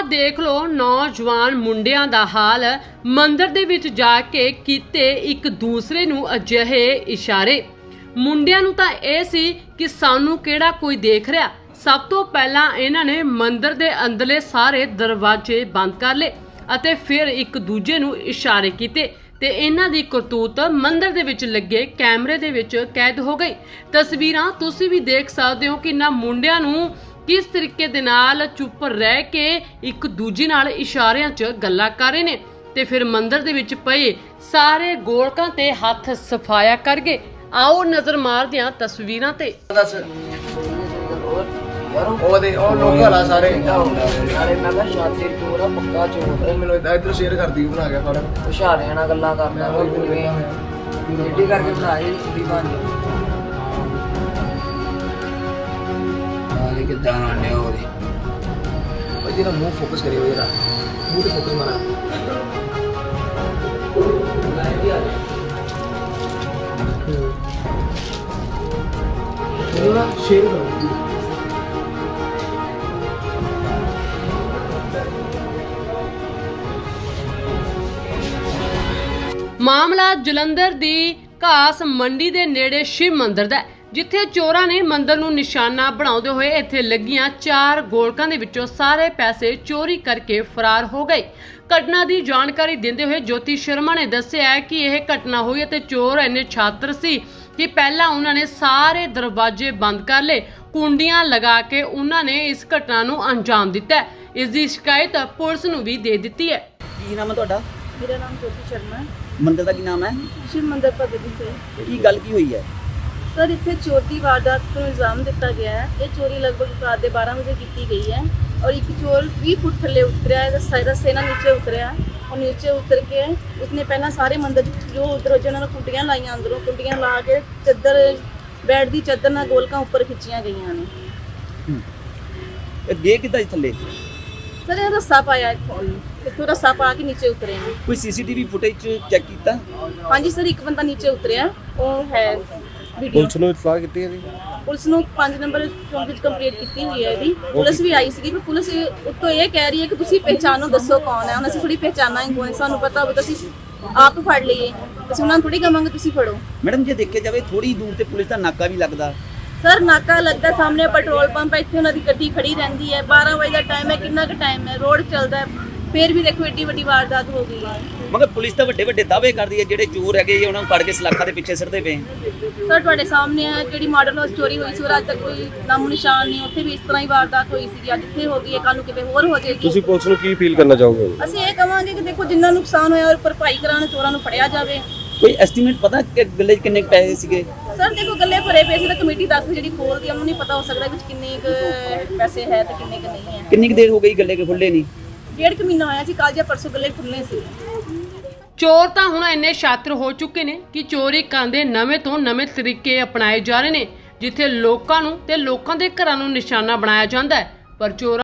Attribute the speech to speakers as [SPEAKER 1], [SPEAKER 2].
[SPEAKER 1] देख लो नौजवान मुंडियां दा हाल। मंदिर दे विच जाके कीते एक दूसरे नूं अजिहे इशारे। मुंडियां नूं तां इह सी कि सानू किहड़ा कोई देख रहा। सब तो पहला इन्हां ने मंदिर दे अंदरले सारे दरवाजे बंद कर ले अते फिर एक दूजे नूं इशारे कीते ते इन्हां दी करतूत मंदिर दे विच लगे कैमरे दे विच कैद हो गई। तस्वीरां तुसीं भी देख सकदे हो कि इन्हां मुंडियां नूं किस तरीके दे नाल चुप रह के एक दूजे नाल इशारियां च गल्लां कर रहे ने ते फिर मंदिर दे विच पए सारे गोलकां ते हथ सफाया कर गए। आओ नजर मारदे हां तस्वीरां ते।
[SPEAKER 2] मुंह फोकस करिए जरा, मुंह पे फोकस मारा। शेयर करो।
[SPEAKER 1] मामला जलंधर दी घास मंडी दे नेड़े शिव मंदिर दा है, जिथे चोरां ने मंदिर नूं निशाना बनाउंदे होए इत्थे लगियां 4 गोलकां दे विचों सारे पैसे चोरी करके फरार हो गए। घटना की जानकारी देंदे हुए ज्योति शर्मा ने दस्सिया है कि यह घटना हुई ते चोर इन्ने छात्र सी कि पहला उन्होंने सारे दरवाजे बंद कर ले, कुंडियां लगा के उन्होंने इस घटना नूं अंजाम दिता है। इसकी शिकायत पुलिस नूं भी दे दी है।
[SPEAKER 3] की नाम है तुहाडा?
[SPEAKER 4] मेरा नाम ज्योति शर्मा है।
[SPEAKER 3] मंदिर का की नाम है?
[SPEAKER 4] शिव मंदिर भगत से।
[SPEAKER 3] की गल की हुई है?
[SPEAKER 4] सर इतने चोर की वारदात को इल्जाम दिता गया है। ये चोरी लगभग रात के 12 बजे की गई है और एक चोर 20 फुट थले उतरिया है, रस्से ना नीचे उतरिया और नीचे उतर के उसने पहला सारे मंदिर जो उधर जिन्होंने कुंडियां लाइया, अंदरों कुंडियां ला के चादर बैठ दी चादर ना गोलकां उपर खिंचिया गई ने।
[SPEAKER 3] गे किदा थले?
[SPEAKER 4] सर ये रस्सा पाया इतों रस्सा पा के नीचे उतरे हैं।
[SPEAKER 3] कोई सीसीटीवी फुटेज चेक किया?
[SPEAKER 4] हाँ जी सर, एक बंदा नीचे उतरिया वो है वीडियो।
[SPEAKER 5] पुलिस ਨੂੰ ਇਤਲਾਹ ਕੀਤੀ ਹੈ ਜੀ?
[SPEAKER 4] पुलिस ਨੂੰ 5 नंबर ਚੌਂਕ ਵਿੱਚ ਕੰਪਲੀਟ ਕੀਤੀ ਹੋਈ ਹੈ ਇਹਦੀ। ਪੁਲਿਸ ਵੀ ਆਈ ਸੀਗੀ, ਪਰ ਪੁਲਿਸ ਉੱਤੋਂ ਇਹ ਕਹਿ ਰਹੀ ਹੈ ਕਿ ਤੁਸੀਂ ਪਹਿਚਾਨੋ, ਦੱਸੋ ਕੌਣ ਹੈ। ਹੁਣ ਅਸੀਂ ਥੋੜੀ ਪਹਿਚਾਨਾ ਹੀ ਕੋਈ, ਸਾਨੂੰ ਪਤਾ ਹੋਵੇ ਤਾਂ ਅਸੀਂ ਆਪ ਫੜ ਲਈਏ। ਅਸੀਂ ਉਹਨਾਂ ਨੂੰ ਥੋੜੀ ਕਹਾਂਗੇ ਤੁਸੀਂ ਫੜੋ।
[SPEAKER 3] ਮੈਡਮ ਜੇ ਦੇਖਿਆ ਜਾਵੇ ਥੋੜੀ ਦੂਰ ਤੇ ਪੁਲਿਸ ਦਾ ਨਾਕਾ ਵੀ ਲੱਗਦਾ।
[SPEAKER 4] ਸਰ ਨਾਕਾ ਲੱਗਦਾ, ਸਾਹਮਣੇ ਪੈਟਰੋਲ ਪੰਪ ਹੈ, ਇੱਥੇ ਉਹਨਾਂ ਦੀ ਗੱਡੀ ਖੜੀ ਰਹਿੰਦੀ ਹੈ। 12 ਵਜੇ ਦਾ ਟਾਈਮ ਹੈ, ਕਿੰਨਾ ਕੁ ਟਾਈਮ ਹੈ, ਰੋਡ ਚੱਲਦਾ ਹੈ, ਫਿਰ ਵੀ ਦੇਖੋ ਏਡੀ ਵੱਡੀ ਵਾਰਦਾਤ ਹੋ ਗਈ ਹੈ।
[SPEAKER 3] ਮਗਰ ਪੁਲਿਸ ਤਾਂ ਵੱਡੇ ਵੱਡੇ ਦਾਅਵੇ ਕਰਦੀ ਹੈ ਜਿਹੜੇ ਚੋਰ ਹੈਗੇ ਉਹਨਾਂ ਨੂੰ ਫੜ ਕੇ ਸਲਾਖਾਂ ਦੇ ਪਿੱਛੇ ਸਿੱਟਦੇ ਪਏ।
[SPEAKER 4] ਸਰ ਤੁਹਾਡੇ ਸਾਹਮਣੇ ਹੈ ਜਿਹੜੀ ਮਾਡਲ ਹਾਊਸ ਚੋਰੀ ਹੋਈ ਸੀ, ਉਹ ਅੱਜ ਤੱਕ ਕੋਈ ਨਾਮੋ ਨਿਸ਼ਾਨ ਨਹੀਂ। ਉੱਥੇ ਵੀ ਇਸ ਤਰ੍ਹਾਂ ਹੀ ਵਾਰਦਾਤ ਹੋਈ ਸੀ, ਅੱਜ ਇੱਥੇ ਹੋ ਗਈ ਹੈ, ਕੱਲ ਨੂੰ ਕਿਤੇ ਹੋਰ ਹੋ ਜਾਏਗੀ।
[SPEAKER 5] ਤੁਸੀਂ ਪੁਲਿਸ ਨੂੰ ਕੀ ਅਪੀਲ ਕਰਨਾ ਚਾਹੋਗੇ?
[SPEAKER 4] ਅਸੀਂ ਇਹ ਕਹਾਂਗੇ ਕਿ ਦੇਖੋ ਜਿੰਨਾ ਨੁਕਸਾਨ ਹੋਇਆ ਉਹ ਭਰਪਾਈ ਕਰਾਉਣ, ਚੋਰਾਂ ਨੂੰ ਫੜਿਆ ਜਾਵੇ।
[SPEAKER 3] ਕੋਈ ਐਸਟੀਮੇਟ ਪਤਾ ਕਿ ਗੱਲੇ 'ਚ ਕਿੰਨੇ ਪੈਸੇ ਸੀਗੇ?
[SPEAKER 4] ਸਰ ਦੇਖੋ ਗੱਲੇ ਭਰੇ ਪੈਸੇ ਤਾਂ ਕਮੇਟੀ ਦੱਸ ਜਿਹੜੀ ਖੋਲਦੀ ਆ, ਉਹਨੂੰ ਨਹੀਂ ਪਤਾ ਹੋ ਸਕਦਾ ਵਿੱਚ ਕਿੰਨੇ ਕੁ ਪੈਸੇ ਹੈ ਤੇ ਕਿੰਨੇ ਕੁ ਨਹੀਂ ਹੈ।
[SPEAKER 3] ਕਿੰਨੀ ਕੁ ਦੇਰ ਹੋ ਗਈ ਗੱਲੇ ਕੇ ਖੁੱਲੇ ਨਹੀਂ?
[SPEAKER 4] 1.5 ਮਹੀਨਾ ਹੋਇਆ ਸੀ, ਕੱਲ ਜਾਂ ਪਰਸੋਂ ਗੱਲੇ ਖੁੱਲ੍ਹਣੇ ਸੀ।
[SPEAKER 1] ਚੋਰ ਤਾਂ ਹੁਣ ਇੰਨੇ ਸ਼ਾਤਰ ਹੋ ਚੁੱਕੇ ਨੇ ਕਿ ਚੋਰੀ ਕਰਨ ਦੇ ਨਵੇਂ ਤੋਂ ਨਵੇਂ ਤਰੀਕੇ ਅਪਣਾਏ ਜਾ ਰਹੇ ਨੇ, ਜਿੱਥੇ ਲੋਕਾਂ ਨੂੰ ਤੇ ਲੋਕਾਂ ਦੇ ਘਰਾਂ ਨੂੰ ਨਿਸ਼ਾਨਾ ਬਣਾਇਆ ਜਾਂਦਾ ਹੈ, ਪਰ ਚੋਰਾਂ